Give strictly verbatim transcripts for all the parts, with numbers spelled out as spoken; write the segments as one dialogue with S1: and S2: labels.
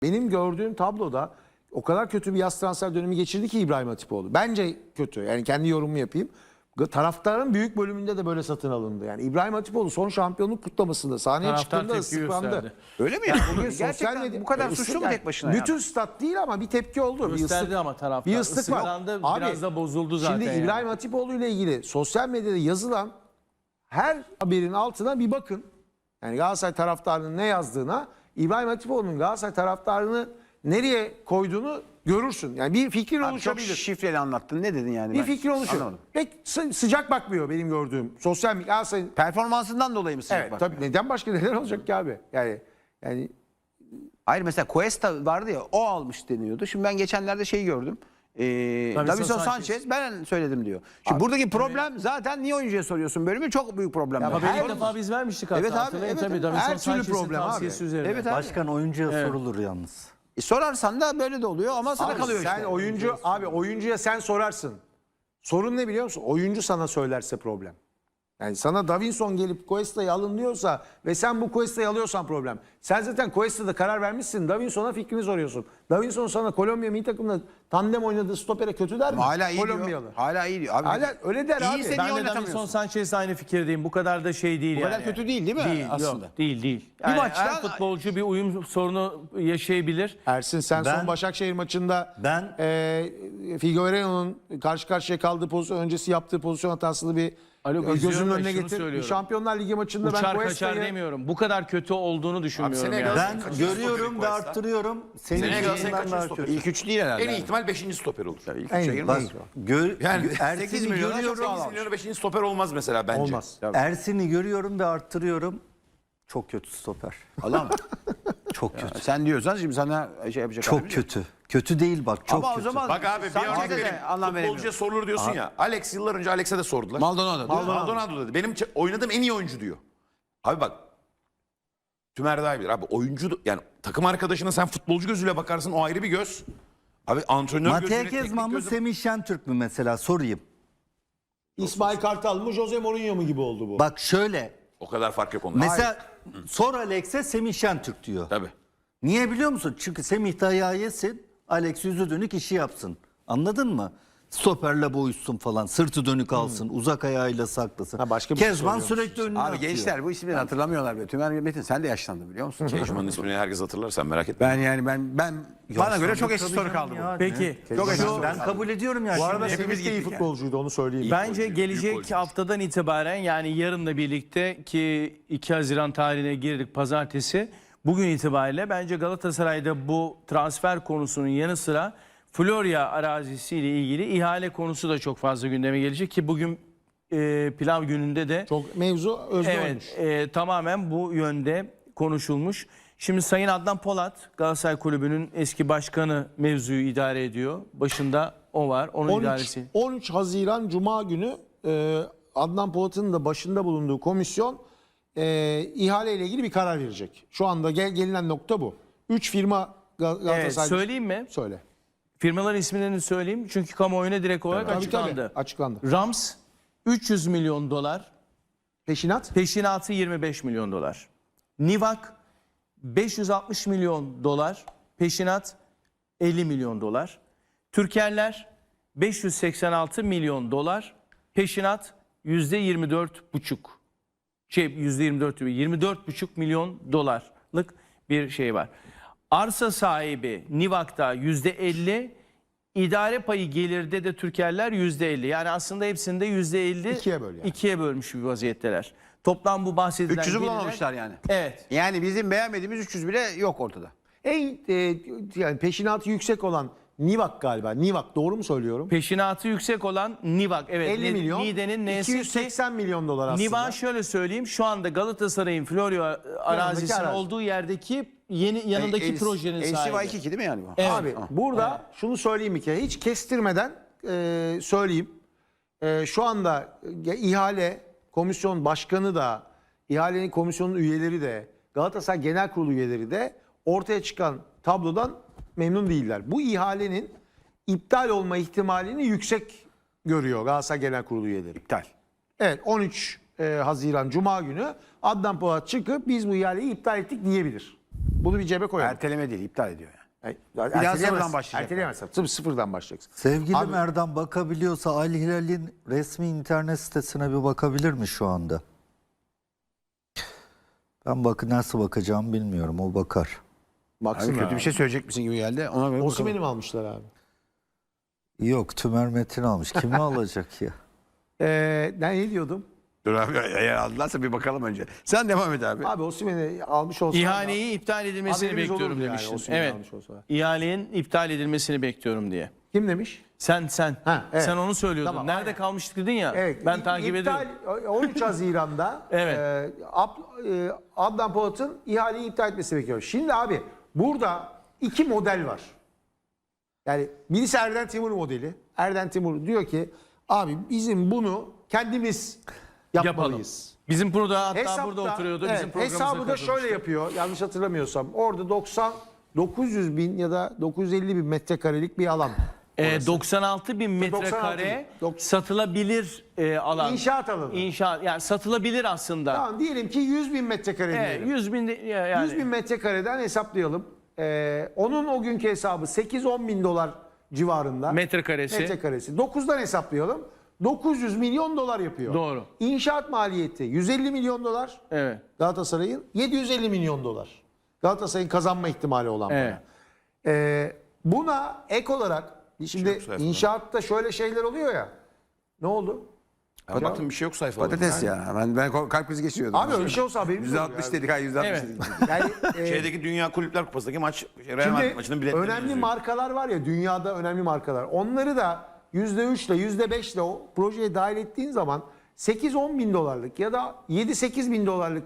S1: Benim gördüğüm tabloda o kadar kötü bir yaz transfer dönemi geçirdi ki İbrahim Hatipoğlu. Bence kötü. Yani kendi yorumumu yapayım. Taraftarın büyük bölümünde de böyle satın alındı. Yani İbrahim Hatipoğlu son şampiyonluk kutlamasında sahneye
S2: Taraftar
S1: çıktığında
S2: tepki
S1: ıslıklandı.
S2: gösterdi.
S3: Öyle mi? Yani?
S1: Bugün sosyal
S3: Gerçekten
S1: medya
S3: bu kadar
S1: e,
S3: suçlu mu
S1: yani
S3: tek başına?
S1: Bütün
S3: yani?
S1: stat değil ama bir tepki oldu.
S2: Gösterdi
S1: bir ıslık,
S2: ama taraftar.
S1: bir ıslık var.
S2: Islıklandı,
S1: Abi,
S2: biraz da bozuldu zaten.
S1: Şimdi
S2: yani.
S1: İbrahim Hatipoğlu ile ilgili sosyal medyada yazılan her haberin altına bir bakın. Yani Galatasaray taraftarının ne yazdığına, İbrahim Hatipoğlu'nun Galatasaray taraftarını nereye koyduğunu görürsün. Yani bir fikrin
S3: Abi çok
S1: oluşabilir.
S3: şifreli anlattın. Ne dedin yani?
S1: Bir
S3: Ben
S1: fikir oluşuyor.
S3: anlamadım.
S1: Pek sı- sıcak bakmıyor benim gördüğüm. Sosyal medya Galatasaray'ın.
S3: Performansından dolayı mı sıcak
S1: Evet,
S3: bakmıyor?
S1: tabii neden başka neler olacak ki abi? Yani yani
S3: Hayır, mesela Cuesta vardı ya, o almış deniyordu. Şimdi ben geçenlerde şeyi gördüm. Ee,
S2: Davinson
S3: Davinson
S2: Sanchez.
S3: Sanchez ben söyledim diyor. Şimdi buradaki problem zaten niye oyuncuya soruyorsun bölümü, çok büyük problem.
S1: ama
S3: Yani.
S1: benim
S2: Her
S1: Her-
S2: defa biz vermiştik hatta.
S3: Evet abi,
S2: hatırlayın.
S3: evet,
S2: Tabii
S3: evet.
S2: Davinson
S1: Her türlü
S2: Sanchez'in
S1: problem abi.
S2: tavsiyesi üzerine.
S3: Evet abi.
S4: Başkan oyuncuya
S2: Evet.
S4: sorulur yalnız.
S3: E, sorarsan da böyle de oluyor ama sana
S1: Abi
S3: kalıyor
S1: sen
S3: işte.
S1: oyuncu abi oyuncuya sen sorarsın. Sorun ne biliyor musun? Oyuncu sana söylerse problem. Yani sana Davinson gelip Cuesta'yı alın diyorsa ve sen bu Cuesta'yı alıyorsan problem. Sen zaten Cuesta'da karar vermişsin. Davinson'a fikrini soruyorsun. Davinson sana Kolombiya milli takımda tandem oynadığı stopere kötü der mi?
S3: Ama hala iyi
S1: Kolombiyalı.
S3: diyor. Hala iyi diyor. Abi,
S1: Hala öyle der abi.
S3: İyiyse
S2: Ben
S3: niye
S2: de
S3: oynatamıyorsun?
S2: Davinson Sanchez'le aynı fikirdeyim. Bu kadar da şey değil
S3: Bu
S2: yani.
S3: kadar kötü değil değil mi
S2: Değil,
S3: aslında?
S2: Yok, değil değil. Yani
S3: maçtan-
S2: her futbolcu bir uyum sorunu yaşayabilir.
S1: Ersin sen
S4: Ben-
S1: son Başakşehir maçında
S4: Ben-
S1: e, Figueiredo'nun karşı karşıya kaldığı pozisyon öncesi yaptığı pozisyon hatasını bir
S2: Alo,
S1: e, gözünün
S2: izliyorum da
S1: önüne
S2: şunu
S1: getir.
S2: söylüyorum.
S1: Şampiyonlar Ligi maçında ben
S2: Uçar kaçar
S1: Cuesta'yı
S2: demiyorum. Bu kadar kötü olduğunu düşünmüyorum
S5: seneye
S2: yani.
S5: Galatasaray-
S4: Ben
S5: Kaçıncı
S4: görüyorum
S5: stoperi
S4: ve
S5: Cuesta?
S4: arttırıyorum. Senin
S5: Seneye Galatasaray
S4: yüzünden
S5: kaçıncı
S4: daha
S5: stoperi?
S4: kötü.
S3: İlk üç değil herhalde.
S5: En iyi ihtimal beşinci stoper olur.
S3: İlk
S1: En
S3: üçe
S1: iyi,
S3: girmez.
S1: en iyi.
S4: Gör,
S5: Yani
S4: gö-
S5: sekiz
S4: Ersin'i
S5: milyona
S4: görüyorum.
S5: sekiz milyona beşinci stoper olmaz mesela bence.
S1: olmaz.
S4: Ersin'i görüyorum ve arttırıyorum. Çok kötü stoper.
S3: Allah mı?
S4: Çok kötü.
S3: Sen diyorsan şimdi sana şey yapacak.
S4: Çok
S3: halimiz yok.
S4: kötü. Kötü değil bak, çok
S3: Ama o
S4: kötü.
S3: zaman
S5: Bak abi bir
S3: Sanchez'e
S5: örnek
S3: de
S5: vereyim.
S3: anlam
S5: Futbolcuya
S3: veremiyorum.
S5: sorulur diyorsun ya. Alex yıllar önce Alex'e de sordular.
S3: Maldonado değil mi?
S5: Maldonado. Maldonado dedi. Benim ç- oynadığım en iyi oyuncu diyor. Abi bak. Tümer daha iyi bilir. Abi oyuncu yani takım arkadaşına sen futbolcu gözüyle bakarsın, o ayrı bir göz. Abi antrenör
S4: Mattia
S5: gözüyle, teknik
S4: Kezman mı,
S5: gözü-
S4: Semih Şentürk mü mesela, sorayım.
S1: İsmail Kartal mı Jose Mourinho mu gibi oldu bu?
S4: Bak şöyle,
S5: O kadar fark yok onda.
S4: mesela sor Alex'e, Semih Şentürk diyor.
S5: Tabii.
S4: Niye biliyor musun? Çünkü Semih dayağı yesin, Alex yüzü dönük işi yapsın. Anladın mı? Stoperle boğuşsun falan, sırtı dönük alsın, uzak ayağıyla saklasın.
S1: Ha, başka bir şey
S4: Kezban
S1: söylüyormuş.
S4: sürekli önüne
S3: Abi
S4: atıyor.
S3: gençler bu isimleri hatırlamıyorlar be. Tümer Metin sen de yaşlandın biliyor musun?
S5: Kejman'ın ismini herkes hatırlar, sen merak etme.
S3: Ben yani ben ben bana göre çok eski soru kaldı bu.
S2: Peki.
S3: Çok eski
S2: şu-
S3: soru
S4: Ben
S3: kaldı.
S4: kabul ediyorum ya.
S1: Bu arada
S4: Şimdi-
S1: Semih de iyi futbolcuydu, onu söyleyeyim.
S2: Bence
S5: golcü, büyük
S2: gelecek
S5: golcü.
S2: haftadan itibaren, yani yarınla birlikte ki iki Haziran tarihine girdik pazartesi. Bugün itibariyle bence Galatasaray'da bu transfer konusunun yanı sıra Florya arazisiyle ilgili ihale konusu da çok fazla gündeme gelecek ki bugün e, pilav gününde de
S1: Çok mevzu özde olmuş.
S2: evet, e, tamamen bu yönde konuşulmuş. Şimdi Sayın Adnan Polat, Galatasaray Kulübü'nün eski başkanı, mevzuyu idare ediyor. Başında o var. Onun
S1: on üç,
S2: idaresi.
S1: on üç Haziran Cuma günü e, Adnan Polat'ın da başında bulunduğu komisyon e, ihale ile ilgili bir karar verecek. Şu anda gel, gelinen nokta bu. Üç firma Gal-
S2: Evet,
S1: Galatasaray...
S2: söyleyeyim mi?
S1: Söyle.
S2: Firmaların isimlerini söyleyeyim çünkü kamuoyuna direkt olarak
S1: Tabii,
S2: açıklandı.
S1: tabii, açıklandı.
S2: Rams üç yüz milyon dolar,
S1: Peşinat?
S2: peşinatı yirmi beş milyon dolar. Nivak beş yüz altmış milyon dolar, peşinat elli milyon dolar. Türkerler beş yüz seksen altı milyon dolar, peşinat yüzde yirmi dört buçuk. Şey yüzde yirmi dört değil, yirmi dört buçuk milyon dolarlık bir şey var. Arsa sahibi Nivak'ta yüzde elli, idare payı gelirde de Türkerler yüzde elli. Yani aslında hepsinde yüzde elli
S1: İkiye böl yani.
S2: ikiye bölmüş bir vaziyetteler. Toplam bu bahsedilen
S3: üç yüzü
S2: gelirler-
S3: bulamamışlar yani.
S2: Evet.
S3: Yani bizim beğenmediğimiz üç yüz bile yok ortada.
S1: En e, yani peşinatı yüksek olan Nivak galiba. Nivak, doğru mu söylüyorum?
S2: Peşinatı yüksek olan Nivak. Evet.
S1: elli
S2: Ni-
S1: milyon.
S2: Niğde'nin neyse
S1: iki yüz seksen milyon dolar aslında.
S2: Nivak şöyle söyleyeyim. Şu anda Galatasaray'ın Florya arazisinin
S1: arazi.
S2: olduğu yerdeki yeni yanındaki
S3: El-
S2: projenin
S3: L C
S2: sahibi.
S3: Y iki değil mi yani bu?
S2: Evet.
S1: Abi burada şunu söyleyeyim bir kere, hiç kestirmeden e, söyleyeyim. E, şu anda e, ihale komisyon başkanı da, ihalenin komisyonun üyeleri de, Galatasaray Genel Kurulu üyeleri de ortaya çıkan tablodan memnun değiller. Bu ihalenin iptal olma ihtimalini yüksek görüyor Galatasaray Genel Kurulu üyeleri.
S3: İptal.
S1: Evet, on üç Haziran Cuma günü Adnan Polat çıkıp biz bu ihaleyi iptal ettik diyebilir. Bunu bir cebe koyalım.
S3: Erteleme değil, iptal ediyor yani.
S1: Yani,
S3: daha
S1: erteleyemez-
S3: sıfırdan başlayacak.
S1: Erteleyemezsin. Tabii sıfırdan başlayacaksın.
S4: Sevgili
S1: Abi-
S4: Merdan bakabiliyorsa Al Hilal'in resmi internet sitesine bir bakabilir mi şu anda? Ben bak nasıl bakacağımı bilmiyorum. O bakar.
S1: Baksın
S3: Abi kötü bir şey söyleyecek misin gibi geldi. Ona göre bakalım.
S1: Osimhen'i mi almışlar abi?
S4: Yok, Tümer Metin almış. Kimi alacak ya?
S1: Ee, ben ne diyordum?
S3: Dur abi, eğer aldılarsa bir bakalım önce. Sen devam et abi.
S1: Abi Osimhen'i almış olsa
S2: İhaleyi iptal edilmesini
S1: haberimiz
S2: bekliyorum
S1: olurdu yani
S2: demiştin.
S1: Osimhen'i
S2: Evet.
S1: almış olsa.
S2: İhalenin iptal edilmesini bekliyorum diye.
S1: Kim demiş?
S2: Sen sen.
S1: Ha, evet.
S2: Sen onu söylüyordun.
S1: Tamam,
S2: Nerede
S1: aynen.
S2: kalmıştık dedin ya.
S1: Evet.
S2: Ben
S1: İ-
S2: takip
S1: iptal-
S2: ediyorum.
S1: on üç Haziran'da
S2: Evet.
S1: e, Ab- e, Adnan Polat'ın ihaleyi iptal etmesi bekliyor. Şimdi abi burada iki model var. Yani birisi Erden Timur modeli. Erden Timur diyor ki abi bizim bunu kendimiz yapmalıyız.
S2: Bizim burada hatta
S1: Hesapta-
S2: burada oturuyordu.
S1: evet,
S2: Bizim programımıza
S1: hesabı da
S2: katılmıştı.
S1: şöyle yapıyor. Yanlış hatırlamıyorsam. Orada doksan dokuz yüz bin ya da dokuz yüz elli bin metrekarelik bir alan.
S2: Ee,
S1: orası.
S2: doksan altı bin
S1: doksan altı
S2: metrekare
S1: bin. Dok-
S2: satılabilir e, alan.
S1: İnşaat alanı.
S2: İnşaat yani satılabilir aslında.
S1: Tamam diyelim ki yüz bin metrekare
S2: Evet,
S1: diyelim.
S2: yüz bin de- ya- yani.
S1: yüz bin metrekareden hesaplayalım. Ee, onun o günkü hesabı sekiz on bin dolar civarında.
S2: Metrekaresi.
S1: Metrekaresi. dokuzdan hesaplayalım. dokuz yüz milyon dolar yapıyor.
S2: Doğru.
S1: İnşaat maliyeti yüz elli milyon dolar.
S2: Evet.
S1: Galatasaray'ın yedi yüz elli milyon dolar. Galatasaray'ın kazanma ihtimali olan para.
S2: Evet.
S1: Ee, buna ek olarak şimdi
S5: yok sayfada.
S1: inşaatta şöyle şeyler oluyor ya. Ne oldu?
S5: Abi baktım bir şey yok sayfada.
S3: Patates ya. Ben, ben kalp krizi geçiriyordum.
S1: Abi öyle bir şey olsa haberimiz
S3: yüzde
S1: olur
S3: altmış
S1: ya.
S3: dedik. Hayır yüzde altmış
S2: Evet.
S3: dedik.
S1: Yani e,
S5: Şeydeki Dünya Kulüpler Kupası'ndaki maç, şey, Real Madrid
S1: Şimdi
S5: maçının biletleri
S1: önemli
S5: yazıyor.
S1: markalar var ya dünyada önemli markalar. Onları da yüzde üçle yüzde beşle o projeye dahil ettiğin zaman sekiz on bin dolarlık ya da yedi sekiz bin dolarlık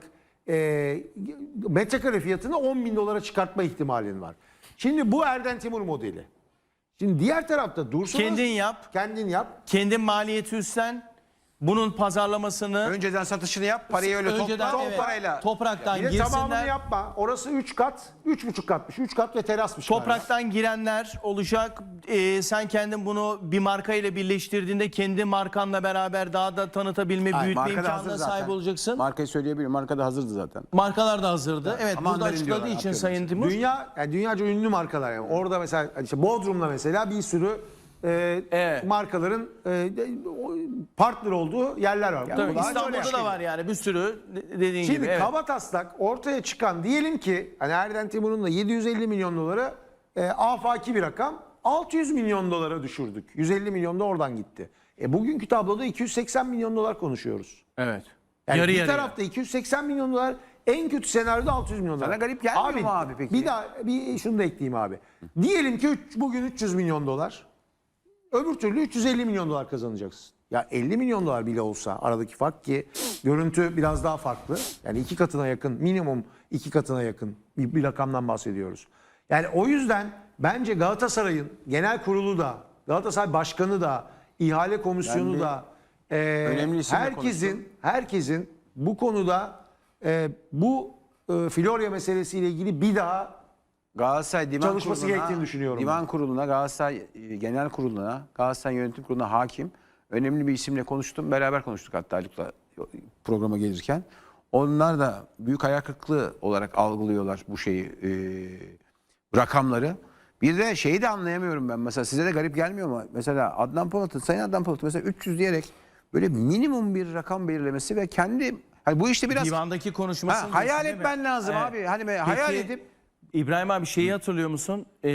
S1: e, metrekare fiyatını on bin dolara çıkartma ihtimalin var. Şimdi bu Erden Timur modeli. Şimdi diğer tarafta Dursun
S2: Kendin
S1: Öz-
S2: yap.
S1: Kendin yap.
S2: Kendin maliyeti üstlen. Bunun pazarlamasını
S3: Önceden satışını yap. Parayı öyle
S2: önceden
S3: topla.
S2: evet,
S3: O parayla.
S2: topraktan
S1: Bir de tamamını
S2: girsinler.
S1: yapma. Orası üç kat, üç buçuk katmış. üç kat ve terasmış. galiba.
S2: Topraktan girenler olacak. Ee, sen kendin bunu bir marka ile birleştirdiğinde kendi markanla beraber daha da tanıtabilme,
S3: Hayır,
S2: büyütme
S3: marka da hazır
S2: imkanına
S3: zaten.
S2: sahip olacaksın.
S3: Markayı söyleyebilirim. Marka da hazırdı zaten.
S2: Markalar da hazırdı. Evet,
S3: Ama
S2: burada
S3: onların
S2: açıkladığı
S3: diyorlar,
S2: için
S3: atıyorum
S2: Sayın Timur.
S1: Dünya, yani dünyaca ünlü markalar yani. Orada mesela işte Bodrum'da mesela bir sürü e,
S2: Evet.
S1: markaların e, o- partner olduğu yerler var.
S2: Tabii,
S1: Bu daha
S2: İstanbul'da
S1: şöyle.
S2: da var yani bir sürü de- dediğin
S1: Şimdi
S2: gibi. Evet.
S1: kabataslak ortaya çıkan diyelim ki hani Erden Timur'un da yedi yüz elli milyon doları e, afaki bir rakam. altı yüz milyon dolara düşürdük. yüz elli milyon da oradan gitti. E, bugünkü tabloda iki yüz seksen milyon dolar konuşuyoruz.
S2: Evet.
S1: Yani
S2: Yarı
S1: bir
S2: yarıya.
S1: tarafta iki yüz seksen milyon dolar, en kötü senaryoda altı yüz milyon dolar.
S3: Sana garip gelmiyor mu abi peki?
S1: Bir daha bir şunu da ekleyeyim abi. Diyelim ki üç- bugün üç yüz milyon dolar. Öbür türlü üç yüz elli milyon dolar kazanacaksın. Ya elli milyon dolar bile olsa aradaki fark ki görüntü biraz daha farklı. Yani iki katına yakın, minimum iki katına yakın bir, bir rakamdan bahsediyoruz. Yani o yüzden bence Galatasaray'ın genel kurulu da, Galatasaray başkanı da, ihale komisyonu
S3: Ben bir
S1: da e,
S3: önemli isimle
S1: herkesin
S3: konuştum.
S1: herkesin bu konuda e, bu e, Florya meselesiyle ilgili bir daha
S3: Galatasaray Divan
S1: Çalışması
S3: Kurulu'na,
S1: gerektiğini düşünüyorum
S3: Divan Kurulu'na, Galatasaray e, Genel Kurulu'na, Galatasaray Yönetim Kurulu'na hakim önemli bir isimle konuştum. Beraber konuştuk hatta Haluk'la programa gelirken. Onlar da büyük hayal kırıklığı olarak algılıyorlar bu şeyi, e, rakamları. Bir de şeyi de anlayamıyorum ben. Mesela size de garip gelmiyor mu? Mesela Adnan Polat'ı, Sayın Adnan Polat'ı mesela üç yüz diyerek böyle minimum bir rakam belirlemesi ve kendi hani bu işte biraz
S2: Divandaki konuşmasını
S3: ha, hayal
S2: diyorsun, değil mi?
S3: etmen lazım
S2: Evet.
S3: abi. Hani be- hayal
S2: Peki,
S3: edip
S2: İbrahim abi şeyi hatırlıyor musun? Ee,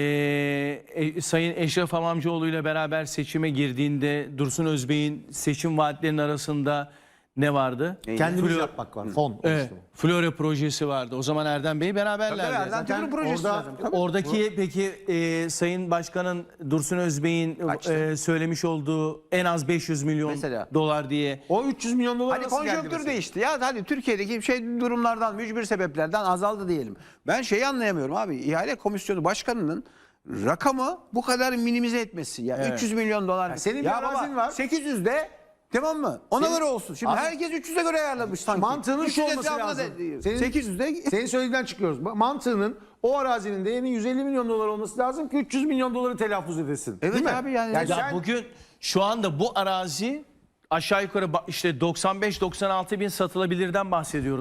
S2: e, Sayın Eşref Hamamcıoğlu ile beraber seçime girdiğinde Dursun Özbey'in seçim vaatlerinin arasında ne vardı?
S1: kendimiz
S2: Flor-
S1: yapmak var. Fon.
S2: Evet,
S1: oluşturma.
S2: Florya projesi vardı. O zaman Erdem Bey beraberlerdi.
S3: Tabii, Erdem
S2: Zaten
S3: Timur'un projesi
S1: orada-
S3: lazım. Tabii.
S2: Oradaki peki e, Sayın Başkan'ın Dursun Özbey'in
S3: Kaçtı?
S2: e, söylemiş olduğu en az beş yüz milyon
S3: Mesela.
S2: dolar diye.
S1: O üç yüz milyon dolar
S3: Hani
S1: nasıl geldi
S3: konjonktür
S1: mesela?
S3: değişti. Ya hadi Türkiye'deki şey durumlardan, mücbir sebeplerden azaldı diyelim. Ben şeyi anlayamıyorum abi. İhale Komisyonu Başkanı'nın rakamı bu kadar minimize etmesi. Ya
S2: Evet.
S3: üç yüz milyon dolar.
S1: senin bir
S3: ya
S1: arazin
S3: baba,
S1: var.
S3: sekiz yüz de tamam mı? Ona
S1: Senin-
S3: göre olsun. Şimdi
S1: Abi-
S3: herkes üç yüze göre ayarlamış sanki.
S1: Mantığının
S3: üç
S1: şu
S3: yüz
S1: olması
S3: etrafına
S1: lazım.
S3: da-
S1: Senin-
S3: sekiz yüzde
S1: Senin söylediğinden çıkıyoruz. Mantığının o arazinin değerinin yüz elli milyon dolar olması lazım ki üç yüz milyon doları telaffuz edesin.
S3: Evet
S1: Değil mi?
S3: abi yani-
S2: Ya
S1: sen-
S2: bugün şu anda bu arazi aşağı yukarı ba- işte doksan beş doksan altı bin satılabilirden bahsediyoruz.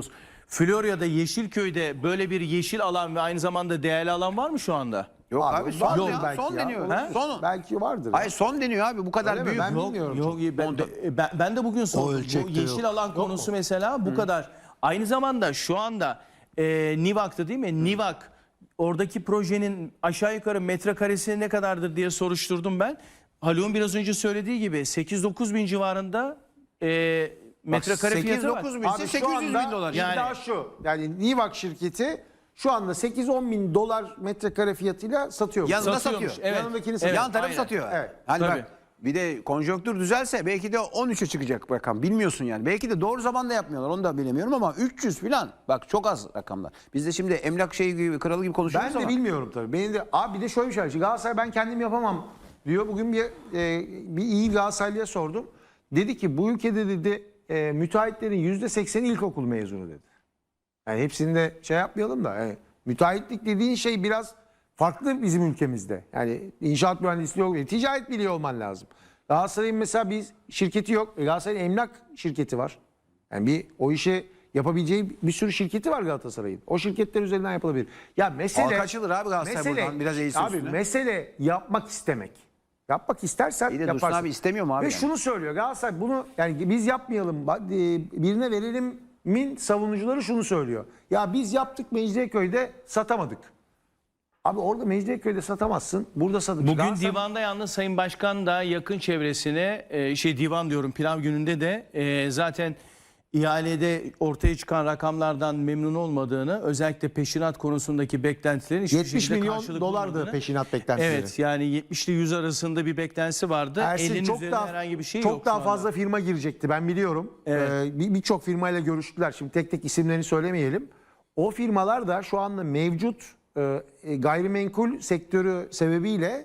S2: Florya'da Yeşilköy'de böyle bir yeşil alan ve aynı zamanda değerli alan var mı şu anda?
S3: Yok abi,
S1: Abi,
S3: son,
S1: vardır
S3: ya,
S1: belki
S3: son
S1: ya.
S3: deniyor.
S1: He?
S3: Son.
S1: Belki vardır.
S3: Hayır son deniyor abi bu kadar
S1: Öyle mi?
S3: büyük.
S1: Ben
S2: Yok,
S1: bilmiyorum
S2: yok, ben, de, ben, ben de bugün sordum. Bu
S4: ölçekte
S2: yeşil
S4: yok.
S2: alan konusu mesela bu kadar. Aynı zamanda şu anda e, Nivak'ta değil mi? Nivak oradaki projenin aşağı yukarı metrekaresi ne kadardır diye soruşturdum ben. Haluk'un biraz önce söylediği gibi sekiz dokuz bin civarında e, metrekare fiyatı var.
S3: sekiz dokuz bin
S1: Abi
S3: ise
S1: şu
S3: sekiz yüz
S1: anda
S3: bin dolar.
S2: Yani-
S1: iddia şu. Yani Nivak şirketi şu anda sekiz on bin dolar metrekare fiyatıyla satıyor.
S3: Yanında
S2: Satıyormuş,
S3: satıyor.
S2: evet.
S1: Yanındakini
S2: Evet,
S1: satıyor.
S3: Yan tarafı
S2: aynen.
S3: satıyor.
S1: Evet.
S3: Hani
S2: Tabii.
S3: bak bir de konjonktür düzelse belki de on üçe çıkacak rakam. Bilmiyorsun yani. Belki de doğru zamanda yapmıyorlar. Onu da bilemiyorum ama üç yüz falan. Bak çok az rakamlar. Biz de şimdi emlak şeyi gibi kralı gibi konuşuyoruz
S1: Ben de
S3: ama.
S1: bilmiyorum tabii. Benim de abi bir de şöyle bir şey var. Şimdi Galatasaray ben kendim yapamam diyor. Bugün bir e, bir iyi Galatasaraylı'ya sordum. Dedi ki bu ülkede dedi e, müteahhitlerin yüzde sekseni ilkokul mezunu dedi. Yani hepsini de şey yapmayalım da. Yani müteahhitlik dediğin şey biraz farklı bizim ülkemizde. Yani inşaat mühendisliği yok. Ticaret biliyor olman lazım. Galatasaray'ın mesela bir şirketi yok. E, Galatasaray'ın emlak şirketi var. Yani bir o işi yapabileceği bir sürü şirketi var Galatasaray'ın. O şirketler üzerinden yapılabilir. Ya mesele
S3: Halka açılır abi Galatasaray buradan, biraz eğilsin
S1: Abi
S3: üstüne.
S1: mesele yapmak istemek. Yapmak istersen
S3: İyi de Dursun
S1: yaparsın.
S3: abi istemiyor mu abi
S1: Ve
S3: yani?
S1: şunu söylüyor Galatasaray bunu yani biz yapmayalım ba- e, birine verelim min savunucuları şunu söylüyor. Ya biz yaptık Mecidiyeköy'de satamadık. Abi orada Mecidiyeköy'de satamazsın. Burada satın.
S2: Bugün
S1: Galatasaray-
S2: divanda yalnız Sayın Başkan da yakın çevresine e, şey divan diyorum pilav gününde de e, zaten ihalede ortaya çıkan rakamlardan memnun olmadığını, özellikle peşinat konusundaki beklentilerin hiçbir
S1: yetmiş
S2: şekilde
S1: milyon
S2: karşılık
S1: dolardı
S2: bulmadığını.
S1: peşinat beklentileri.
S2: Evet, yani yetmiş ile yüz arasında bir beklentisi vardı.
S1: Ersin
S2: elinin
S1: çok
S2: üzerinde
S1: daha
S2: herhangi bir şey
S1: çok
S2: yok
S1: daha
S2: şu anda.
S1: fazla firma girecekti ben biliyorum.
S2: Evet.
S1: Ee, bir- Birçok firmayla görüştüler. Şimdi tek tek isimlerini söylemeyelim. O firmalar da şu anda mevcut e, e, gayrimenkul sektörü sebebiyle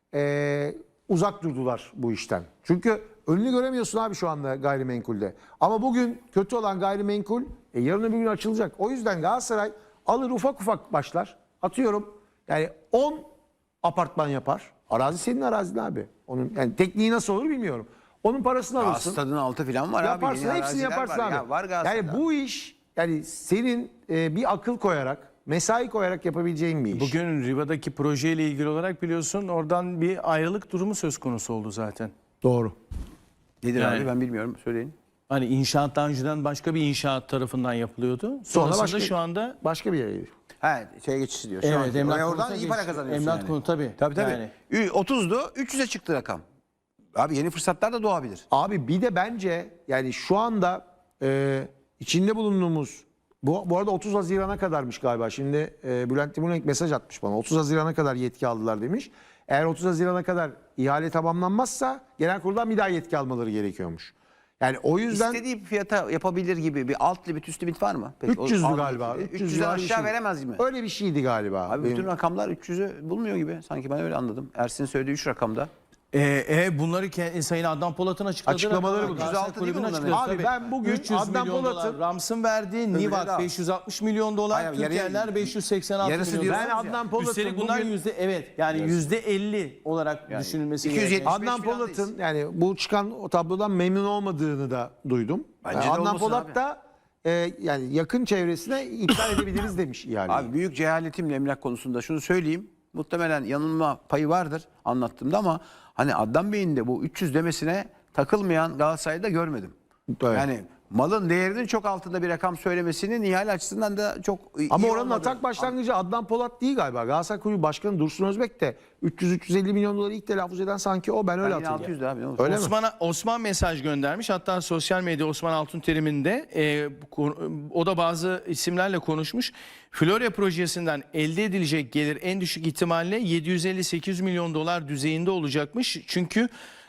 S1: e, uzak durdular bu işten. Çünkü önünü göremiyorsun abi şu anda gayrimenkulde. Ama bugün kötü olan gayrimenkul e, yarın öbür gün açılacak. O yüzden Galatasaray alır ufak ufak başlar. Atıyorum yani on apartman yapar. Arazi senin arazin abi. Onun yani tekniği nasıl olur bilmiyorum. Onun parasını
S3: Aa,
S1: alırsın.
S3: stadın altı falan var abi.
S1: Yaparsın
S3: Yeni
S1: hepsini
S3: araziler
S1: yaparsın
S3: var.
S1: abi.
S3: Ya, var Galatasaray'da.
S1: yani bu iş yani senin e, bir akıl koyarak, mesai koyarak yapabileceğin bir iş.
S2: Bugün Riva'daki projeyle ilgili olarak biliyorsun oradan bir ayrılık durumu söz konusu oldu zaten.
S1: Doğru.
S3: Nedir
S2: Yani-
S3: abi ben bilmiyorum söyleyin.
S2: Hani inşaat daha önceden başka bir inşaat tarafından yapılıyordu. Sonrasında
S1: başka-
S2: şu anda
S1: Başka bir yere gidiyor.
S3: He şeye geçiş diyor. Şu
S2: evet,
S3: anki.
S2: emlak
S3: Oraya oradan
S2: konusuna
S3: iyi para
S2: geçti.
S3: kazanıyorsun
S2: Emlak
S3: yani.
S2: konu tabii.
S3: Tabii tabii.
S2: Yani.
S3: Ü- otuzdu üç yüze çıktı rakam. Abi yeni fırsatlar da doğabilir.
S1: Abi bir de bence yani şu anda e, içinde bulunduğumuz bu, bu arada otuz Haziran'a kadarmış galiba. Şimdi e, Bülent Timurlenk mesaj atmış bana. otuz Haziran'a kadar yetki aldılar demiş. Eğer otuz Haziran'a kadar ihale tamamlanmazsa genel kuruldan bir daha yetki almaları gerekiyormuş. Yani o yüzden
S3: İstediği fiyata yapabilir gibi bir alt limit üst limit var mı? Peki, o
S1: üç yüzdü
S3: alt
S1: galiba.
S3: limiti.
S1: üç yüz
S3: üç yüzden
S1: civarı bir
S3: aşağı
S1: şey.
S3: veremez gibi.
S1: Öyle bir şeydi galiba.
S3: Abi
S1: Benim-
S3: bütün rakamlar üç yüzü bulmuyor gibi. Sanki ben öyle anladım. Ersin söylediği üç rakamda.
S2: Ee, e, bunları ke- Sayın Adnan Polat'ın açıkladığı
S1: Açıklamaları
S2: rakamlar.
S1: bu.
S2: Galatasaray
S3: üç yüz altı değil mi
S2: Kulübü'nün
S3: bunların?
S2: açıkladığı,
S1: Abi
S2: tabii.
S1: ben bugün
S2: üç yüz
S1: Adnan
S2: milyon
S1: Polat'ın-
S2: dolar Rams'ın verdiği, Nivak
S3: daha.
S2: beş yüz altmış milyon dolar,
S3: Hayır, yarı-
S2: Türkiye'ler beş yüz seksen altı
S3: yarısı
S2: milyon
S3: diyorsunuz
S2: dolar.
S1: Ben Adnan Polat'ın
S2: Üstelik bunlar
S1: bugün-
S2: yüzde evet yani yüzde elli olarak düşünülmesi
S3: iki yüz
S2: gereken.
S3: yetmiş
S1: Adnan
S3: filandayız.
S1: Polat'ın yani bu çıkan o tablodan memnun olmadığını da duydum.
S3: Bence
S1: Yani
S3: de
S1: Adnan
S3: olmasın
S1: Polat
S3: abi.
S1: da e, yani yakın çevresine iptal edebiliriz demiş ihaleyi.
S3: Abi büyük cehaletimle emlak konusunda şunu söyleyeyim. Muhtemelen yanılma payı vardır anlattığımda ama hani Adnan Bey'in de bu üç yüz demesine takılmayan Galatasaray'da görmedim.
S1: Evet.
S3: Yani malın değerinin çok altında bir rakam söylemesinin ihale açısından da çok iyi
S1: Ama oranın
S3: olmadı.
S1: atak başlangıcı Adnan Polat değil galiba. Galatasaray Kulübü Başkanı Dursun Özbek de üç yüz üç yüz elli milyon doları ilk telaffuz eden sanki o. Ben öyle
S3: Ben yine altı
S1: hatırlıyorum.
S3: yüzdü abi ne olur.
S1: Öyle mi?
S2: Osman'a Osman mesaj göndermiş. Hatta sosyal medya Osman Altunterim'in de e, bu konu- o da bazı isimlerle konuşmuş. Florya projesinden elde edilecek gelir en düşük ihtimalle yedi yüz elli sekiz yüz milyon dolar düzeyinde olacakmış. Çünkü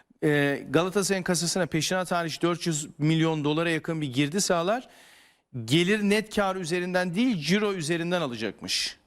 S2: e, Galatasaray'ın kasasına peşinat hariç dört yüz milyon dolara yakın bir girdi sağlar. Gelir net kar üzerinden değil ciro üzerinden alacakmış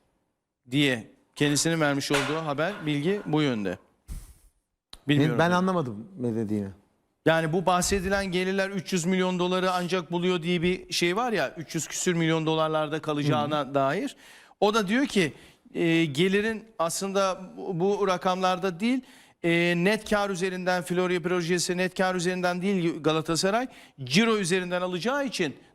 S2: diye kendisinin vermiş olduğu haber bilgi bu yönde. Bilmiyorum.
S1: Ben anlamadım ne dediğini.
S2: Yani bu bahsedilen gelirler üç yüz milyon doları ancak buluyor diye bir şey var ya, üç yüz küsür milyon dolarlarda kalacağına dair. O da diyor ki e, gelirin aslında bu, bu rakamlarda değil, e, net kar üzerinden, Florya projesi net kar üzerinden değil Galatasaray, ciro üzerinden alacağı için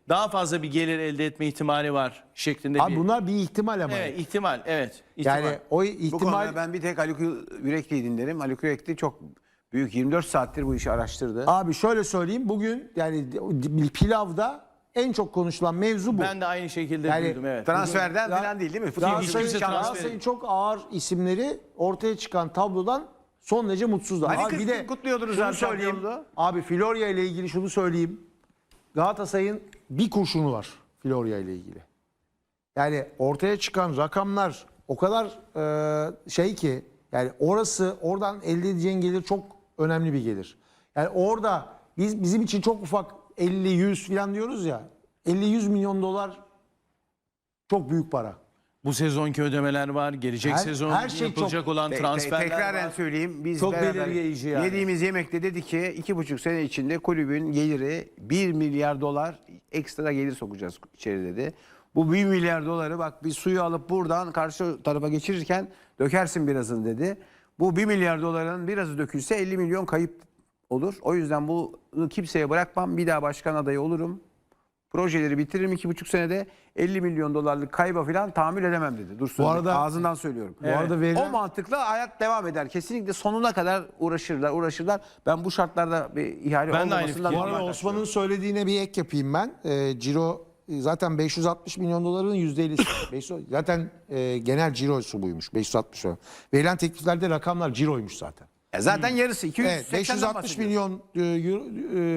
S2: daha fazla bir gelir elde etme ihtimali var şeklinde
S1: Abi
S2: bir...
S1: bunlar bir ihtimal ama.
S2: Evet, ihtimal, evet. ihtimal.
S1: Yani o
S3: Bu
S1: ihtimal
S3: konuda ben bir tek Haluk Yürekli'yi dinlerim. Haluk Yürekli çok büyük, yirmi dört saattir bu işi araştırdı.
S1: abi şöyle söyleyeyim, bugün yani pilavda en çok konuşulan mevzu bu.
S2: Ben de aynı şekilde
S1: Yani
S2: duydum, evet.
S3: Transferden
S1: Bugün-
S3: falan değil değil mi? Futbol
S1: Galatasaray'ın
S2: Hiçbir şey transferi-
S1: Galatasaray'ın çok ağır isimleri ortaya çıkan tablodan son derece mutsuzlar.
S3: Hani
S1: Abi
S3: kırk gün kutluyordunuz
S1: şunu
S3: abi
S1: söyleyeyim.
S3: şampiyonluğu.
S1: Abi Florya ile ilgili şunu söyleyeyim. Galatasaray'ın bir kurşunu var Florya ile ilgili. Yani ortaya çıkan rakamlar o kadar e, şey ki, yani orası, oradan elde edeceğin gelir çok önemli bir gelir. Yani orada biz bizim için çok ufak elli yüz falan diyoruz ya. elli yüz milyon dolar çok büyük para.
S2: Bu sezonki ödemeler var, gelecek
S1: Her-
S2: sezon
S1: her şey
S2: yapılacak
S1: çok-
S2: olan
S3: Te- te-
S2: transferler
S3: Tekraren
S2: var.
S3: söyleyeyim. Biz
S2: Çok
S3: beraber
S2: belirleyici yani.
S3: yediğimiz yemekte dedi ki iki buçuk sene içinde kulübün geliri bir milyar dolar ekstra gelir sokacağız içeri dedi. Bu bir milyar doları bak bir suyu alıp buradan karşı tarafa geçirirken dökersin birazını dedi. Bu bir milyar doların birazı dökülse elli milyon kayıp olur. O yüzden bunu kimseye bırakmam. Bir daha başkan adayı olurum. Projeleri bitiririm iki buçuk senede elli milyon dolarlık kayba falan tahammül edemem dedi. Dursun
S1: Bu arada-
S3: ağzından söylüyorum.
S1: Bu arada verilen-
S3: O mantıkla hayat devam eder. Kesinlikle sonuna kadar uğraşırlar, uğraşırlar. Ben bu şartlarda bir ihale
S2: Ben de aynı
S3: olmamasından
S2: fikirdeyim.
S1: Bu
S3: normal
S1: arada
S3: karşılıyorum.
S1: Osman'ın söylediğine bir ek yapayım ben. Ee, Ciro e, zaten beş yüz altmış milyon doların yüzde ellisi. beş yüz zaten e, genel cirosu buymuş. beş yüz altmış milyon. Verilen tekliflerde rakamlar ciroymuş zaten.
S3: E zaten yarısı iki yüz
S1: Evet,
S3: seksenden
S1: beş yüz altmış
S3: bahsediyoruz.
S1: milyon e, euro-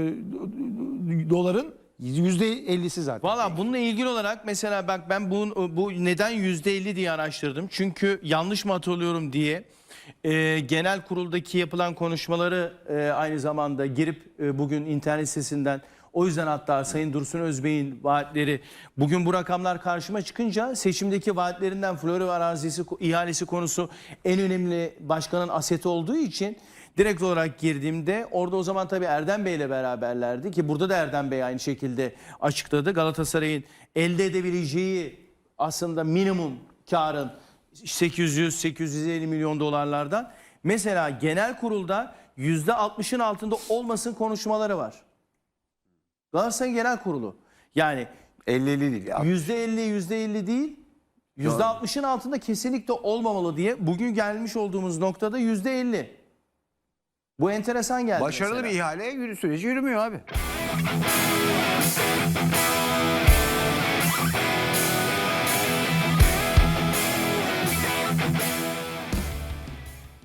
S1: e, doların yüzde ellisi zaten.
S2: Valla bununla ilgili olarak mesela bak ben bu, bu neden yüzde elli diye araştırdım. Çünkü yanlış mı hatırlıyorum diye e, genel kuruldaki yapılan konuşmaları e, aynı zamanda girip e, bugün internet sitesinden, o yüzden hatta Sayın Dursun Özbey'in vaatleri, bugün bu rakamlar karşıma çıkınca seçimdeki vaatlerinden Florya arazisi ihalesi konusu en önemli başkanın aseti olduğu için direkt olarak girdiğimde orada o zaman tabii Erdem Bey ile beraberlerdi ki burada da Erdem Bey aynı şekilde açıkladı. Galatasaray'ın elde edebileceği aslında minimum karın sekiz yüz sekiz yüz elli milyon dolarlardan. Mesela genel kurulda yüzde altmışın altında olmasın konuşmaları var. Galatasaray Genel Kurulu. Yani
S3: elli elli değil ya.
S2: yüzde elli yüzde elli değil, yüzde altmışın altında kesinlikle olmamalı diye bugün gelmiş olduğumuz noktada yüzde elli. Bu enteresan geldi
S3: Başarılı
S2: mesela.
S3: bir ihale yürü, süreci yürümüyor abi.